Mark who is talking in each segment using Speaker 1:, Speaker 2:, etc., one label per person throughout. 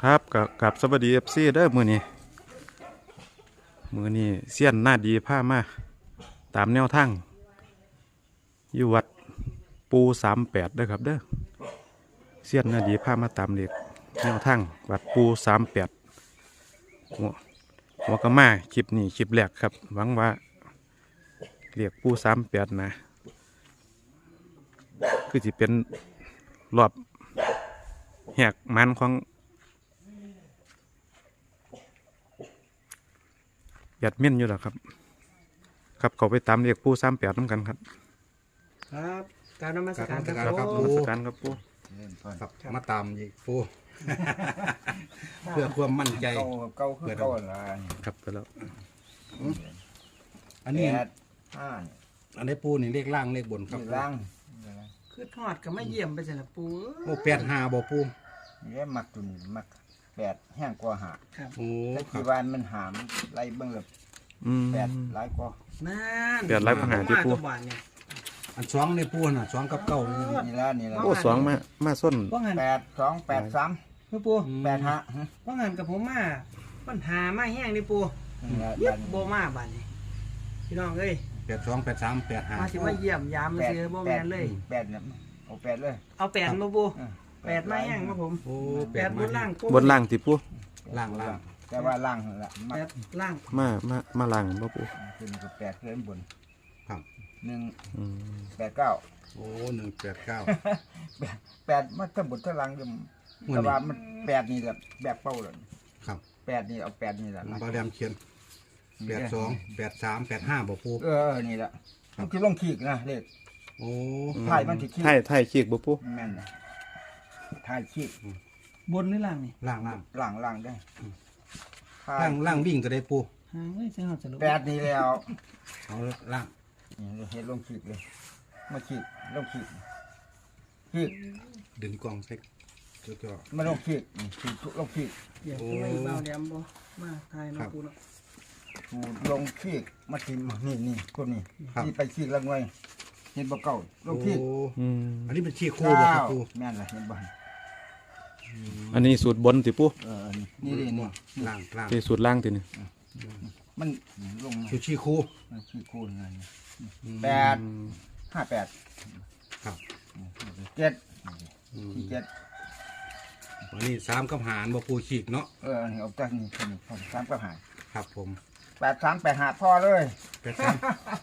Speaker 1: ครับกับสวัสดีFCเด้อมื้อนี้เสี้ยนหน้าดีพามาตามแนวทางอยู่วัดปู38เด้อครับเด้อเสี้ยนหน้าดีพามาตามเลขแนวทางวัดปู38หัวกะมาคลิปนี้คลิปแรกครับหวังว่าเรียกปู38นะคือสิเป็นรอบแหกมันของยัดเม่นอยู่แล้วครับเขาไปตามเรียกปู38น้ำกันครับ
Speaker 2: ครับการนมัสการค
Speaker 1: ค
Speaker 2: รั
Speaker 1: รั
Speaker 2: บบ
Speaker 1: นมัสการครับปู
Speaker 3: ครับมาตามอีกปูเพื่อความมั่นใจ
Speaker 4: เก้าคือเก้าอะไร
Speaker 1: ครับไปแล้ว
Speaker 3: อันนี้
Speaker 4: แปดห้า
Speaker 3: อันนี้ปูนี่เลขล่างเลขบนครับ
Speaker 4: นี่ล่าง
Speaker 2: คือทอดก็ไม่เยี่ยมไปเสร็จแล้วปู
Speaker 3: โอ้85บ่ปู
Speaker 4: นี่มักตุนมักแปดแห้งกว่าหา
Speaker 2: ครับ
Speaker 3: โอ้
Speaker 4: แต่
Speaker 3: ครั
Speaker 4: ที่
Speaker 3: บ
Speaker 4: วานมันหามไล่เบิ่งแบบแปดหลายกว่า
Speaker 2: นั่น
Speaker 1: เดือดร้ายปัญหาที่ปู
Speaker 2: ตัวบานเนี่ย
Speaker 3: อันสองในปูน่ะสองกับเก้านี่
Speaker 4: นี่ละ
Speaker 1: โอ้สองมาส้น
Speaker 2: ว่างัน
Speaker 4: แปดสองแปดสาม
Speaker 2: คือปู
Speaker 4: แปดห้า
Speaker 2: ว่างันกับผมมาปัญหามาแห้งนี่ปู
Speaker 4: นี่ละ
Speaker 2: ยึดโบมาบานนี่พี่น้องเอ้ย
Speaker 3: 82 83
Speaker 2: มาสิมาเยี่ยมยามมา
Speaker 4: แปด
Speaker 2: ซื้อโบแมนเลย
Speaker 4: แปดเนี่ยเอาแปดเลย
Speaker 2: เอาแปดมาปูแปดมาแห้งมาผม
Speaker 3: โอ้
Speaker 2: แปดบนล่างปู
Speaker 1: บนล่างติปู
Speaker 3: ล่าง
Speaker 4: แต่ว่าล่างละมั
Speaker 2: แป
Speaker 4: ก
Speaker 2: ดล่าง
Speaker 1: มาล่างบ่ปู
Speaker 4: ขึ้นกับแปดขึ้นบน
Speaker 3: ครับ
Speaker 4: หนึ่ง
Speaker 1: อืม
Speaker 4: แปดเก้า
Speaker 3: โอ้189
Speaker 4: แปดมันทั้งบนทั้งล่างอยู่แต่ว่ามันแปดนี่แบบเป้าเลย
Speaker 3: ครับ
Speaker 4: แปดนี่เอาแปดนี่แหละ
Speaker 3: บาแรมเขียน82 83 85บ่ปู
Speaker 4: นี่แหละมันคือลงขีกนะเลข
Speaker 3: โอ้
Speaker 4: ไถ่มันสิขีก
Speaker 1: ไทยขีกบ่ปู
Speaker 4: แม่นนะไถ่ขีก
Speaker 2: บนหรือล่างนี่
Speaker 3: ล่าง
Speaker 4: ล่างได้ไถ่
Speaker 3: ล่างวิ่งก็ได้ปู
Speaker 2: หางเอ้ยเสียงหอดสรุป
Speaker 4: แปดนี่แล้ว
Speaker 3: เอาล่าง
Speaker 4: นี่เฮ็ดลงขีกเลยมาขีกลงขีกขีก
Speaker 3: ดึงกล้องใส่จ่อ
Speaker 4: มาลงขีกขีกลงขีก
Speaker 2: เดี๋ยวจะไม่เบาแดมบ่มาทายมาปูเนาะ
Speaker 4: ถูลงขีกมาทิมนี่พวกนี้ที่ไปขีกละหน่วยเห็นบ่เก่าล
Speaker 3: โอ้
Speaker 4: งขีก
Speaker 1: อืม
Speaker 3: อันนี้เป็นชี้คู่บ่ครับปู
Speaker 4: แม่นล่ะเห็นบ่
Speaker 1: อันนี้สูตรบนติปู
Speaker 4: นี่ดินี่
Speaker 3: ล่าง
Speaker 1: ที่สูตรล่างตินี่
Speaker 4: มันลงมา
Speaker 3: คือชี้คู่
Speaker 4: ขีกคูณนั่นแปด58
Speaker 3: ครับ
Speaker 4: 7ที่7
Speaker 3: วันนี้3กับหารบ่ปูขีกเนาะ
Speaker 4: อันนี้เอาจากนี่ผมสามก็หาย
Speaker 3: ครับผม
Speaker 4: 8385พอเลย
Speaker 3: 83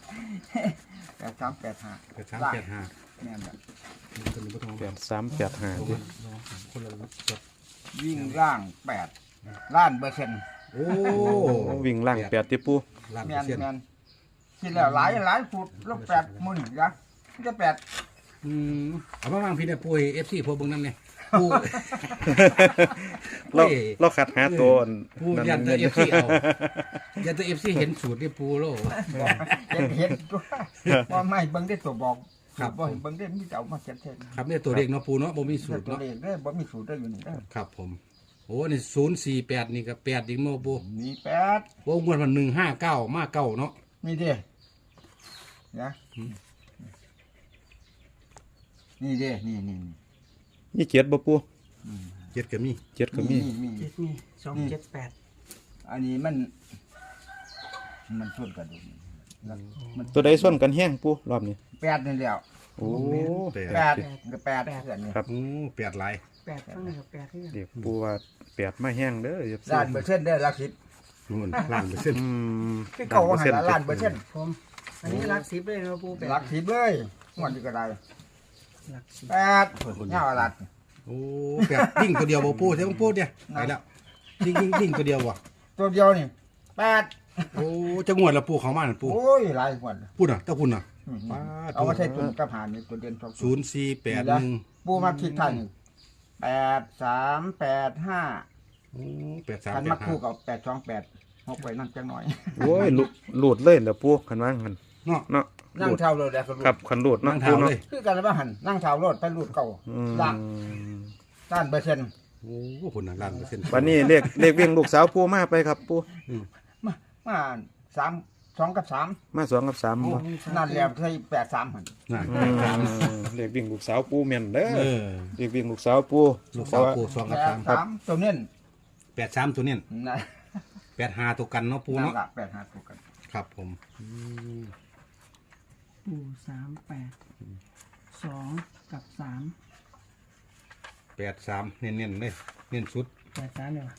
Speaker 4: 8385
Speaker 3: 8385
Speaker 4: เนี่ยแบบ
Speaker 3: คนนี้บ่ต้อง
Speaker 1: 8385ติ
Speaker 3: คนละจด
Speaker 4: วิ่งล่าง8ล้านเปอร์เซ็นต์
Speaker 3: โอ้
Speaker 1: วิ่งล่าง8ติปู
Speaker 3: ล้าน
Speaker 4: แม
Speaker 3: เปอร์เซ็นต์
Speaker 4: นแมนคิดแล้วหลายฟุตแล้ว8มื้อนี่ยักจะ8
Speaker 3: เอามาวางพี่เนี่ยปูให้ FC พวกเบิ่งนำเนี่ยปู
Speaker 1: เราขัดหาตัว
Speaker 3: ปูยันแต่ FC เอายันแต่ FC เห็นสูตรนี่ปูโล
Speaker 4: เห็นตัวว่าไม่เบิ่งได้ตัวบอก
Speaker 3: ครับ
Speaker 4: บ่เห็นเบิ่งได้มีแต่เอามาเขียน
Speaker 3: ครับเนี่ยตัวเลขเนาะปูเนาะบ่มีสูตร
Speaker 4: ตัว
Speaker 3: เนาะ
Speaker 4: เลขเด้อบ่มีสูตรได้อยู่นี่เด้อ
Speaker 3: ครับผมโอ้นี่048นี่ก็8อีกเนาะปู
Speaker 4: มี8
Speaker 3: โอ้งวดมัน159มาเก้าเนาะ
Speaker 4: นี่เด้นะนี่เด้นี่
Speaker 1: นี่เจ็ดบ่ปู
Speaker 3: เจ็ดก็มี
Speaker 1: เจ็ดก็มี
Speaker 4: มี
Speaker 2: เจ็ดมี278
Speaker 4: อันนี้มันชนกันดูแล้วมัน
Speaker 1: ตัวใดส้นกันแห้งปูรอบนี้
Speaker 4: 8นี่แล้ว
Speaker 1: โอ้
Speaker 3: แปด
Speaker 4: 8ก็8เพื่อนนี่
Speaker 1: ครับ
Speaker 3: โอ้8หลาย
Speaker 2: 8ข้างในกับ8ที่
Speaker 1: เรียกปูว่า8มาแห้งเด้ออย่า
Speaker 4: ล้านเปอร์เซ็นต์เด้อหลักสิบ
Speaker 3: นู่นล้านเปอร์เซ็นต์
Speaker 1: อืม
Speaker 4: คือเก่าว่าให้ละล้านเปอร์เซ็นต์
Speaker 2: ผมอันนี้รัก10เลยนะปู8
Speaker 4: หลักสิบเลยงวดนี้ก็ได้
Speaker 2: หลัก10
Speaker 4: 8เงาหลัก
Speaker 3: โอ้แปดวิ่งตัวเดียวบ่ปูใช่บ่ปูเนี่ยไปแล้ววิ่งตัวเดียวว่ะ
Speaker 4: ตัวเดียวนี่8
Speaker 3: โอ้จะงวดละปูของมันปู
Speaker 4: โอ้ยหลายงวด
Speaker 3: พูดน่ะเจ้าคุณน่ะ
Speaker 4: เอามาใช้ตุนกับหารนี่ตัวเด่นสอง
Speaker 3: 0481
Speaker 4: ปูมาคิดทัน8385
Speaker 3: โอ้
Speaker 4: คันมาคู่
Speaker 3: 8385
Speaker 4: กับ828 6ไปนั่นจังหน่อย
Speaker 1: โอ้ยหลุดเลยแล้วปูคันว่างัน
Speaker 3: เนาะ
Speaker 1: เนาะ
Speaker 4: นั่งเท่าเลยแล้วก็
Speaker 1: ครับคันหลุดเนาะ
Speaker 3: นั่ง
Speaker 1: ปู
Speaker 3: เท้า
Speaker 1: เนาะ
Speaker 3: เลย
Speaker 4: คือกันว่าหันนั่งเท่ารถไปรูดเก่า
Speaker 1: อืม
Speaker 4: ล่างล้านเปอร์เซ็นต์
Speaker 3: โอ้คุณน่ะล้านเปอร์เซ็นต์
Speaker 1: วันนี้เลขวิ่งลูกสาวปูมาไปครับปู
Speaker 4: มา2กับ3
Speaker 1: มา2กับ3บ่
Speaker 4: นั่นแล้วใช่83หัน
Speaker 3: น่ะ
Speaker 1: เลขวิ่งลูกสาวปูแม่นเด้อ
Speaker 3: เออ
Speaker 1: เลขวิ่งลูกสาวปู
Speaker 3: ลูกสาวปู2กับ3
Speaker 4: 83ตัวเน้น
Speaker 3: 83ตัวเนี้
Speaker 4: นั่น
Speaker 3: 85ตัวกันเนาะปู
Speaker 4: นั่น
Speaker 3: เนาะ
Speaker 4: ละ85ตัวกัน
Speaker 3: ครับผม
Speaker 2: ปู่38 2กับ3
Speaker 3: 83เน้นๆเลยเน้นสุด
Speaker 2: 83เนี่ยว่ะ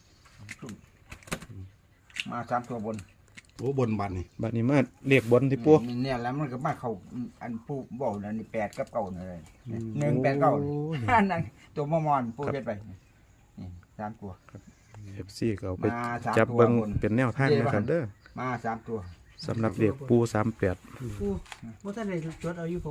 Speaker 4: มา3ตัวบน
Speaker 3: โอ้บนบันนี่
Speaker 1: บัดนี้มาเรียกบนที่ปู
Speaker 4: เนี่ยแล้วมันก็มาเข้าอันปูบอกนะนี่8กับ9นี่เลย1 8 9อันนั้นตัวมอมอนปูเฮ็ดไปนี่3ตัว
Speaker 1: FC ก็เอาไป
Speaker 4: มาสาม
Speaker 1: จับ
Speaker 4: ตัว
Speaker 1: เบิ่ง
Speaker 4: บน
Speaker 1: เป็นแนวทางนะครับเด้อ
Speaker 4: มา3ตัว
Speaker 1: สำหรับเรียกปู38
Speaker 2: ปู่บ่ทันได้จดเอาอยู่ผม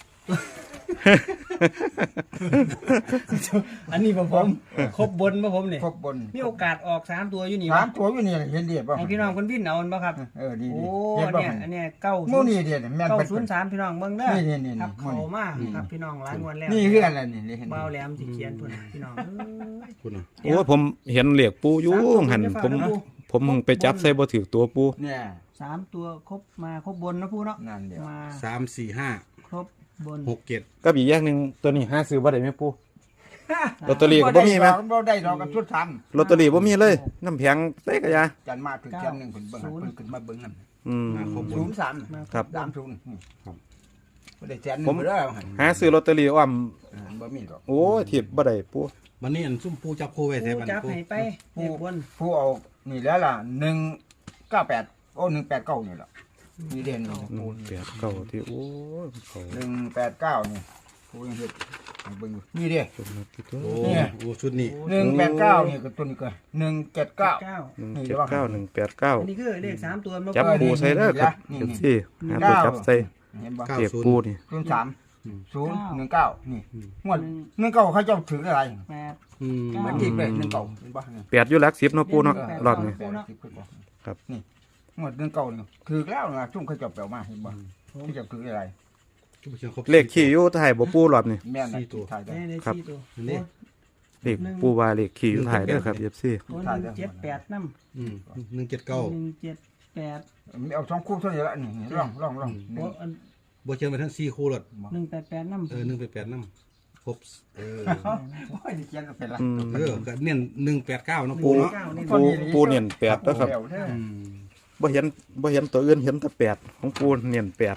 Speaker 2: อันนี้ผมครบบนบ่ผมนี่
Speaker 4: ครบบน
Speaker 2: มีโอกาสออก3ตัวอยู่นี่
Speaker 4: สามตัวอยู่นี่เห็นเดียบป่ะ
Speaker 2: ให้พี่น้องเพิ่นวินเอาบ่ครับ
Speaker 4: ดี
Speaker 2: โอ้
Speaker 4: เห็นป่ะ
Speaker 2: เนี่ยอันเนี้ย
Speaker 4: โม่นี่เดียแม่นเป็น
Speaker 2: 903พี่น้องเบิ่งเด้อ
Speaker 4: นี่
Speaker 2: ครับเข้ามาครับพี่น้องหลายงวดแล้ว
Speaker 4: นี่คืออะไรนี่เห็น
Speaker 2: เบาแหลมสิเขียนพุ่นพี่น้อง
Speaker 3: คุณน่ะ
Speaker 1: โอ้ยผมเห็นเรียกปูอยู่หันผมเพิ่งไปจับใส่บ่ถือตัวปู
Speaker 4: เนี่ย
Speaker 2: 3ตัวครบมาครบบนนะปู่เนาะ
Speaker 4: นั่นเดียว
Speaker 2: มา
Speaker 3: 3 4 5
Speaker 2: ครบบน
Speaker 3: 6 7
Speaker 1: ก็อีกอย่างหนึงตัวนี้หาซื้อบ่ได้แม่ปูลอตเตอรี่ก็บ่มีแม่
Speaker 4: บ่ได้ดอกกับชุดท
Speaker 1: ลอตเตอรี่บ่มีเลยน้ำแพงเต้กะยา
Speaker 4: ำจันมาถึงแค่นึงเพิ่นเบิ่งเพิ่นขึ้นมาเบิ่งนั่น
Speaker 1: อืม
Speaker 3: ครบบน
Speaker 4: 03
Speaker 1: ครับ
Speaker 4: 30ครับบ่ได้แสนนึ
Speaker 1: ผม
Speaker 4: งบ่ได้
Speaker 1: หาซื้อลอตเตอรี่อ้อม
Speaker 4: บ่มีดอก
Speaker 1: โอ้ยทิพบ่ได้ปู
Speaker 3: วันนี้อันซุ่มปูจับคู่ไว้ใส่
Speaker 2: ปู่
Speaker 3: บัน
Speaker 2: จับ
Speaker 3: ปู
Speaker 2: ให้ไปเลขบน
Speaker 4: ผู้เอานี่แล้วล่ะ198โอ้189นี่ล่ะนี่เด่นนี่
Speaker 1: 189ที่โอ้ยเขา
Speaker 4: 189นี่ผู้ยังเฮ็ดให้เบิ่งอยู่นี่เด้
Speaker 1: จนมาที่ตัว
Speaker 3: โอ้
Speaker 4: เนี่ย
Speaker 3: โอ้ชุดนี้
Speaker 4: 189นี่ก็ตัวนี้ก็179
Speaker 2: 9
Speaker 1: 179
Speaker 2: อันนี้คือเลข3ตัวมา
Speaker 1: จับปูใส่เด้อครับ
Speaker 4: นี่
Speaker 1: เดี๋ยวสิหาตัวจับใส่
Speaker 4: เห็นบ่
Speaker 1: เรียกปูนี่
Speaker 4: 03019นี่งวด19เขาเจ้าถืออะไร
Speaker 2: 8
Speaker 3: อืม
Speaker 4: มันที่เป็น19เห็นบ่นี่
Speaker 1: 8อยู่หลัก10เนาะปูเนาะรอบนี้ ครับ
Speaker 4: นี่งวด19นี่ถือแล้วนะซุ่มเขาเจ้าแปลมาเห็นบ่ที่เจ้าถืออะไร
Speaker 1: เลขขี่อยู่ถ่ายบ่ปูรอบนี้
Speaker 4: แม่นน่ะถ่ายได้
Speaker 2: ได้
Speaker 1: ครับ
Speaker 2: 4ตัว
Speaker 3: นี่
Speaker 1: เลขปูว่าเลขขี่อยู่ถ่ายเด้อครับ FC
Speaker 2: โอ้178นำ
Speaker 3: อืม179
Speaker 2: 178
Speaker 4: เอา2คู่เท่านี้ละนี่ลอง
Speaker 2: โอ้อัน
Speaker 3: บ่เชิญไปทั้ง4คู่รถ
Speaker 2: 188นำ
Speaker 3: 188นำครบ
Speaker 4: โอ้ยนี่เขียนก็เป็นละ
Speaker 1: อืม
Speaker 3: ก็เน้น189เนาะปูเนาะ
Speaker 1: ปูเนียน8แล้วครับ
Speaker 3: อืม
Speaker 1: บ่เห็นตัวอื่นเห็นแต่8ของปูเนียน8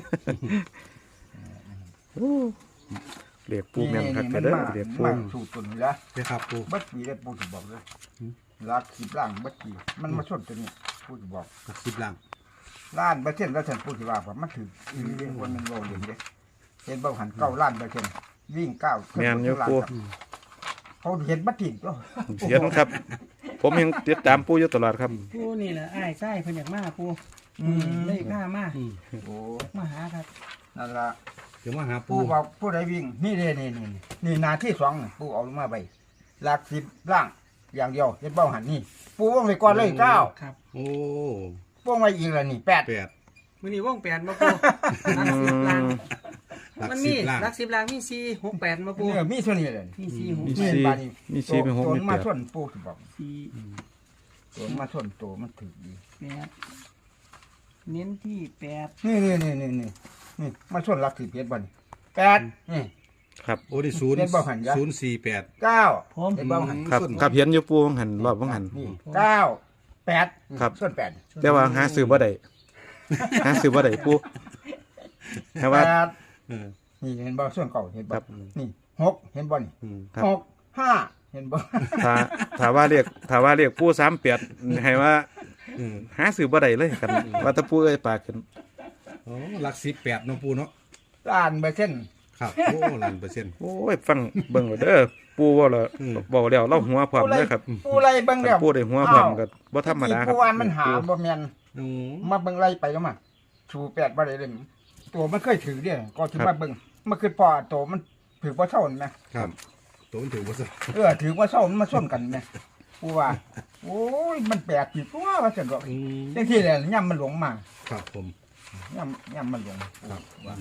Speaker 1: โอ้เลขปูแม่นคักแต่เด้อเลขปู
Speaker 4: มันสูตรตัวนี้ละ
Speaker 3: นะครับปู
Speaker 4: บัดปีได้ปูสิบอกเลยลาดขีบล่างบัดปีมันมาชนตัวนี้ปูสิบอก
Speaker 3: 10ล่าง
Speaker 4: ล้านเปอร์เซ็นต์แล้วฉันปูสิว่าว่ามันถืออีหลีเด้คนมันโลเด่นเด้เห็นบ่หัน9ล้านเปอร์เซ็นต์วิ่ง9
Speaker 1: แม่นอยู่ปู
Speaker 4: เขาเห็นบัดติดก็
Speaker 1: เห็นครับ ผมยังติดตามปูอยู่ตลอดครับ
Speaker 2: ปูนี่แหละอ้ายไส้เพิ่นอยากมาปูเลยข้ามา
Speaker 4: โอ้
Speaker 2: มาหาครับ
Speaker 4: นั่นล่ะ
Speaker 3: เดี๋ยวมาหาปู
Speaker 4: ปูบอกผู้ใดวิ่งนี่เด้นี่นาที่2นี่ปูเอาลงมาไปหลัก10ล่างอย่างเดียวเห็นบ่หันนี่ปูวงไปก่อนเลย9
Speaker 2: ครับ
Speaker 3: โอ้
Speaker 4: วงไว้อีกแล้วนี่8
Speaker 3: 8
Speaker 2: มื้อนี้วง8มาปูรัก10ล้าน
Speaker 3: หลัก
Speaker 2: มันมี
Speaker 3: 10ล่าง
Speaker 2: รัก10ล้านมี4 6 8มาปู
Speaker 4: เนี่ยมีเท่านี้เลย
Speaker 2: มี4
Speaker 1: มี
Speaker 2: 6
Speaker 1: สี่
Speaker 4: บาดนี้
Speaker 1: มีสี่มีหก
Speaker 4: ตัว
Speaker 1: มี
Speaker 4: มา
Speaker 1: แปด
Speaker 4: ชนปูสิบอก
Speaker 2: 4
Speaker 4: ตัวมาชนตัวมันถือดี
Speaker 2: 8เน้นที่8
Speaker 4: นี่มาชนหลัก10เฮ็ดบ่นี่8นี่
Speaker 1: ครับ
Speaker 3: โอ้นี่
Speaker 4: เล่นบ่หันยะ
Speaker 3: 048
Speaker 4: 9
Speaker 2: ผม
Speaker 4: เห็นบ่หัน
Speaker 1: ครับครับเห็นอยู่ปูหันรอบหัน
Speaker 4: นี่9 8
Speaker 1: ครับ
Speaker 4: ส่วน8
Speaker 1: แต่ว่าหาซื้อบ่ได้หาซื้อบ่ได้ปูแต่ว่า
Speaker 3: เออ
Speaker 4: นี่เห็นบ่ส่วนเก่าเห็นบ่
Speaker 1: ครับ
Speaker 4: นี่6เห็นบ่นี่
Speaker 1: ครับ
Speaker 4: 6 5เห็นบ่
Speaker 1: ถ้าว่าเรียกปู38ให้ว่าหาซื้อบ่ได้เลยกันว่าถ้าปูเอ้ยปากขึ้น
Speaker 3: โอ้หลัก18เนาะปูเนาะ
Speaker 4: ล้านเปอร์เซ็นต์
Speaker 3: ครับโอ้ล้านเปอร์เซ็นต์
Speaker 1: โอ้ยฟังเบิ่งเอาเด้อปูเว้าแล้วเว้าแล้วเราหัวพร้อมเด้อครับ
Speaker 4: ปูไรเบิ่งแล้ว
Speaker 1: ปูได้หัวพร้อมก็บ่ธรรมดาครับ
Speaker 4: ปูว่ามันหาบ่แม่น
Speaker 3: โอ้
Speaker 4: มาเบิ่งไล่ไปแล้วมาชู8บ่ได้เลยตัวมันเคยถือเด้ก็สิมาเบิ่งมันคือพอตัวมันถือบ่เท่านั่นนะครับ
Speaker 3: ตัวมันถือว่าซะ
Speaker 4: ถือว่าเท่ามันมาส้นกันแม่ปูว่า โอ้ยมันแปลกอยู่ตัวว่าซั่นดอก
Speaker 3: อืม
Speaker 4: จังซี่แหละย่ํมันหลงมา
Speaker 3: ครับผม
Speaker 4: ย่ํมันหลง
Speaker 3: ครับ
Speaker 4: ว่า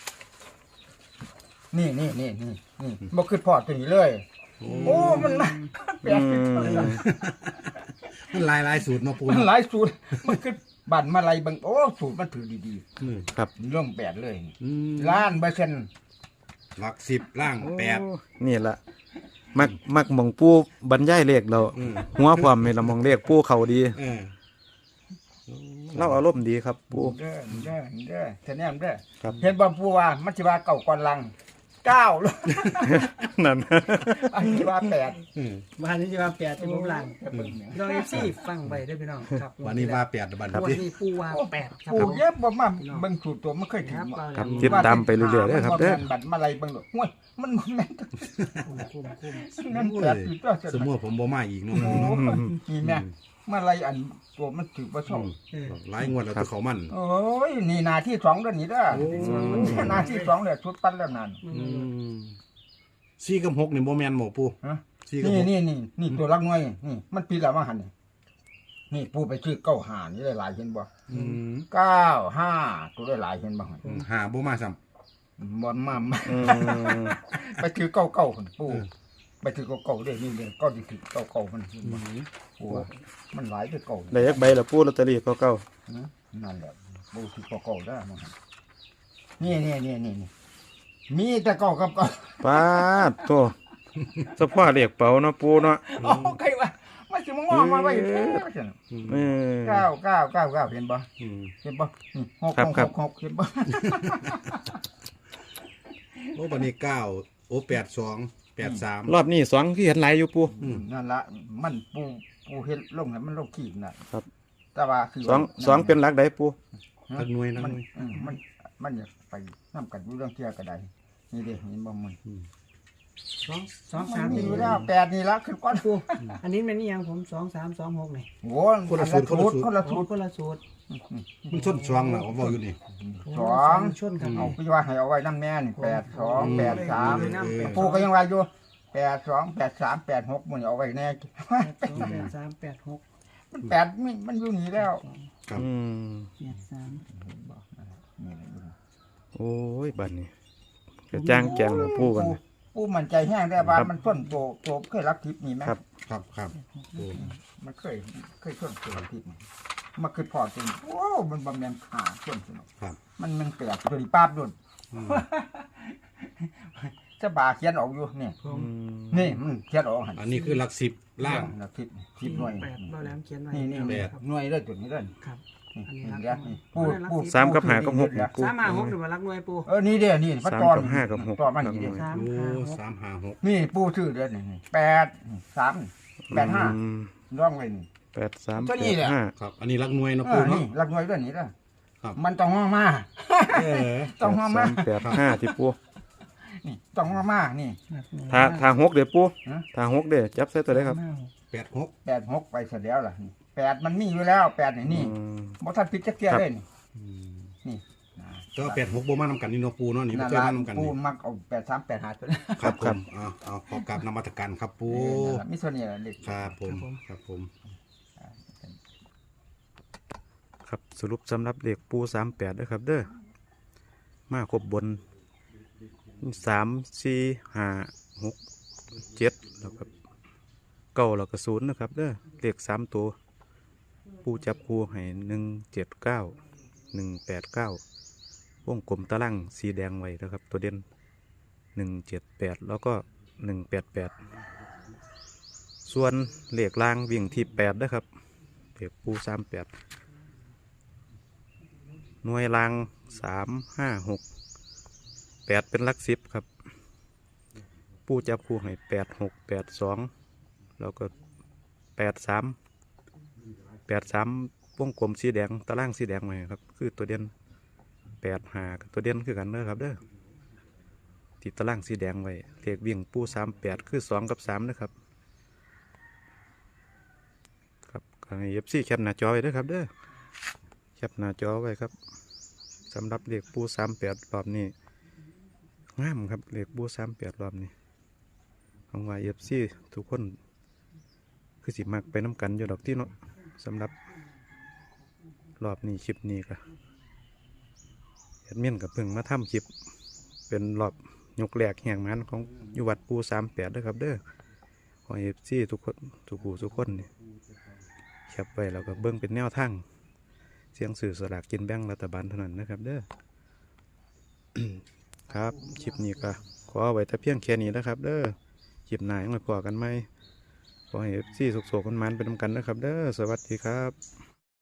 Speaker 4: นี่บ่คือพอตัวนี้เลย โอ้มันมาแปลกอยู่ตัวนี้
Speaker 3: มันหลายสูตรเนาะปู
Speaker 4: มัน
Speaker 3: เนาะ
Speaker 4: หลายสูตรมันคือบั่นมาไล่เบิ่งโอ้สูตรมันถือดี
Speaker 3: อืม
Speaker 1: ครับ
Speaker 4: ๆเรื่องแปดเลย
Speaker 3: อืม
Speaker 4: ล้านเปอร์เซ็นต์
Speaker 3: หลัก10ล่าง8
Speaker 1: โอ้นี่ล่ะมักหมองปูบรรยายเลขเรา
Speaker 3: อืม
Speaker 1: หัวความนี่ละหมองเลขปูเขาดี
Speaker 3: เออ
Speaker 1: เราอารมณ์ดีครับปู
Speaker 4: เด้อเท่านี้เด้อ
Speaker 1: ครับ
Speaker 4: เห็นบ่ปูว่ามันสิว่าเก่าก่อนลังเก้าเลย
Speaker 1: นั่น
Speaker 4: อันนี้ว่าแปด
Speaker 3: อืม
Speaker 2: บ้านนี้จะมาแปดที่ผมหลัง
Speaker 3: อืม
Speaker 2: พี่น้อง FC ฟังไว้เด้อพี่น้องครับ
Speaker 3: วันนี้ว่า8บัด
Speaker 2: วัน
Speaker 3: นี้
Speaker 2: นี้ปูว่าแปดครับ
Speaker 4: ปูเยอะบ่มาเบิ่งสูตรตัวมันเคย
Speaker 2: ค
Speaker 4: ถึง
Speaker 2: รับ
Speaker 4: บ่
Speaker 1: ครับติดตามไปเรื่อยๆเด้อครับเด้อ
Speaker 4: มันบัตรมาอะไรเบิ่งดอกห้วยมันบ่แม่น
Speaker 2: คุ้ม
Speaker 4: นั่นแปดอยู่ตัว
Speaker 3: สมมุติผมบ่มาอีกเนาะ
Speaker 4: โอ้นี่แม่มาอะไรอันตัวมันถือบ่ชอบ
Speaker 2: เออ
Speaker 3: หลายงวดแล้วแต่เขามัน
Speaker 4: โอ้ยนี่นาที่2เด้อนี่เด้อ
Speaker 3: โอ้
Speaker 4: นาที่2เลยชุดปั้นแล้วนั่น
Speaker 3: อืม4กับ6นี่บ่แม่นหมอปู
Speaker 4: ฮะ
Speaker 3: 4กับ
Speaker 4: นี่ตัวรักน้อยนี่มันปีละว่าหั่นนี่ปูไปซื้อ95นี่ได้หลายเห็นบ่
Speaker 3: อืม
Speaker 4: 95ตัวได้หลายเห็นบ่หั่น
Speaker 3: หาบ่มาซ้ำ
Speaker 4: บ่มา
Speaker 1: อืม
Speaker 4: ไปถือเก่าๆพุ่นปูไปถือเก่าๆเด้นี่เด้ก็สิถือเก่าๆมันปูมันหลายไปเก่า
Speaker 1: ได้ยักใบละปูลอตเตอรี่เก่า
Speaker 4: นั่นแหละปูถือเก่าๆได้มันนี่มีแต่เก่ากับเก่า
Speaker 1: ๆปาดโตเฉพาะเลขเป๋าเนาะปูเนาะ
Speaker 4: โอ้ใครว่ามันสิมางอมาไว้แท้ซั่น
Speaker 1: เออ
Speaker 4: 9 เห็นบ่
Speaker 3: อืม
Speaker 4: เห็นบ่นี่
Speaker 1: ครับ
Speaker 4: 6 เห็นบ่
Speaker 3: โอ้บัดนี้9โอ้82 83
Speaker 1: รอบนี้2คือเห็นหลายอยู่ปู
Speaker 4: นั่นละมันปูเฮ็ดลงให้มันลงขีดน่ะ
Speaker 1: ครับ
Speaker 4: แต่ว่าคือ
Speaker 1: 2เป็นหลักใดปู
Speaker 3: นักหน่วยนัก
Speaker 4: มัน
Speaker 3: หน่วย
Speaker 4: มันอยากไปนํกันอยู่เรื่องเที่ยวก็ได้นี่เด้เห็นบ่มัน
Speaker 2: สอง
Speaker 4: มั
Speaker 2: สาน ม
Speaker 4: มี
Speaker 2: นี่
Speaker 4: อยู่แล้ว8นี่ละขึ้นก่อน
Speaker 2: ปูอันนี้มันนี่ยังผม2326นี่
Speaker 4: โอ้คนละสูตรคนละสูตร
Speaker 2: คนละสูตร
Speaker 3: มันชนช่วงน่ะผมบอกอยู่นี่
Speaker 4: สอง
Speaker 2: ชนกัน
Speaker 4: เอาพี่ว่าให้เอาไว้นำแม่นี่82 83
Speaker 3: เออ
Speaker 4: ปูก็ยังว่าอยู่82 83 86มันเอาไว้แน่
Speaker 2: 8386
Speaker 4: มันมันอยู่นี่แล้ว
Speaker 3: ครับ
Speaker 1: อืม
Speaker 2: 83
Speaker 4: นี่แหละอยู่
Speaker 1: โอ้ยบัดนี้จะจ้างแกงแล้วปูกัน
Speaker 4: ปูมันใจแห้งได้ว่ามันต้นโตเคยรักทิพย์นี่ไหม
Speaker 1: ครับ
Speaker 3: ครับโอ้
Speaker 4: มันเคยต้นตัวรักทิพย์นี่มันคือพอจริงโอ้มันบำเพ็ญขาต้นสนุก
Speaker 3: ครับ
Speaker 4: มันแปลกตัวนี้ป้าบดุน
Speaker 3: อืม
Speaker 4: จะบาเขียนออกอยู่นี่
Speaker 2: ผม
Speaker 4: นี่มันเขียนออกหัน
Speaker 3: อันนี้คือหลัก10ล่าง
Speaker 4: รักทิพย์ทิพย์หน่วย
Speaker 2: แปดเราแหลมเขียนไว้
Speaker 4: นี่
Speaker 3: แปด
Speaker 4: หน่วยเลยตัวนี้เลย
Speaker 2: ครับ
Speaker 4: นี่
Speaker 2: อันนี้
Speaker 4: นี่
Speaker 2: รัก
Speaker 4: เดี๋ยวนี่ปูปู
Speaker 1: 3กับ5กับ6นี่ปู
Speaker 2: 356หรือว่ารักหน่วยปู
Speaker 4: นี่เด้อนี่พระ
Speaker 1: 3
Speaker 4: จอน
Speaker 1: กับ5กับ6
Speaker 4: จอนมันนี่เด้อ
Speaker 3: โอ้
Speaker 2: 356
Speaker 3: 356
Speaker 4: นี่ปูชื่อเด้อนี่8 3 8 5ร่องไว้นี่
Speaker 1: 83
Speaker 4: ตัวนี้แหละ
Speaker 1: 85
Speaker 3: ครับ อันนี้หลักหน่วยเนาะ
Speaker 4: เอ
Speaker 3: ปู
Speaker 4: อ
Speaker 3: เนาะ
Speaker 4: นี่รักหน่วยเด้อนี่เด้อ
Speaker 3: ครับ
Speaker 4: มันต้องห้องมา
Speaker 3: เออ
Speaker 4: ต้องห้องมา
Speaker 1: 8385ที่ปู
Speaker 4: นี่ต้องห้องมานี่
Speaker 1: ถ้า6เด้อปู
Speaker 4: ฮะ
Speaker 1: ถ้า6เด้อจับใส่ตัวใดครับ
Speaker 3: 86
Speaker 4: 86ไปเสร็จแล้วล่ะนี่8มันมีอยู่แล้ว8นี่
Speaker 1: อืม
Speaker 4: บ่ทันผิดจักเที่ยเลยนี่
Speaker 3: อืม
Speaker 4: นี่
Speaker 3: ก็86บ่มานำกันนี่เนาะปูเนาะนี่บ่
Speaker 4: นั่น
Speaker 3: เคย
Speaker 4: ล่ะ
Speaker 3: มานำกัน
Speaker 4: ปู
Speaker 3: นี่
Speaker 4: มักเอา83 85ตัวนี้
Speaker 3: ครับผมเอาขอกราบนมัสการครับปู
Speaker 4: นั่นล่ะมีส่วนนี้ล่ะเด็ก
Speaker 3: ครับผมครับผม
Speaker 1: ครับสรุปสำหรับเลขปู38ด้วยครับเด้อมาครบบน3 4 5 6 7แล้วก็9แล้วก็0นะครับเด้อเลข3ตัวปูจับคู่ให้179 189วงกลมตารางสีแดงไว้นะครับตัวเด่น178แล้วก็188ส่วนเลขล่างวิ่งที่8นะครับเลขปู38หน่วยราง3 5 6 8เป็นหลัก10ครับปูจับคู่ให้8 6 8 2แล้วก็83วงกลมสีแดงตารางสีแดงไว้ครับคือตัวเด่น85กับตัวเด่นคือกันเด้อครับเด้อติดตารางสีแดงไว้เลขวิ่งปู38คือ2กับ3นะครับครับให้ FC แคปหน้าจอไว้เด้อครับเด้อแคปหน้าจอไว้ครับสำหรับเลขปู38รอบนี้งามครับเลขปู38รอบนี้หวังว่า FC ทุกคนคือสิมักไปน้ำกันอยู่ดอกที่เนาะสำหรับรอบนี้คลิปนี้ก็แอดมินกับเพิ่งมาทำคลิปเป็นรอบยกแหลกแห่งมันของอยู่วัดปู38ด้วยครับเด้อขอ FC ทุกคนทุกคนนี่แคปไว้แล้วก็เบิ่งเป็นแนวทางเสียงสื่อสลากกินแบ่งรัฐบาลเท่านั้นนะครับเด้อ ครับคลิปนี้ก็ขอเอาไว้แต่เพียงแค่นี้นะครับเด้อคลิปหน้ายังไงพอกันไหมขอให้ซี่สุกๆกันมันๆไปนำกันนะครับเด้อสวัสดีครับ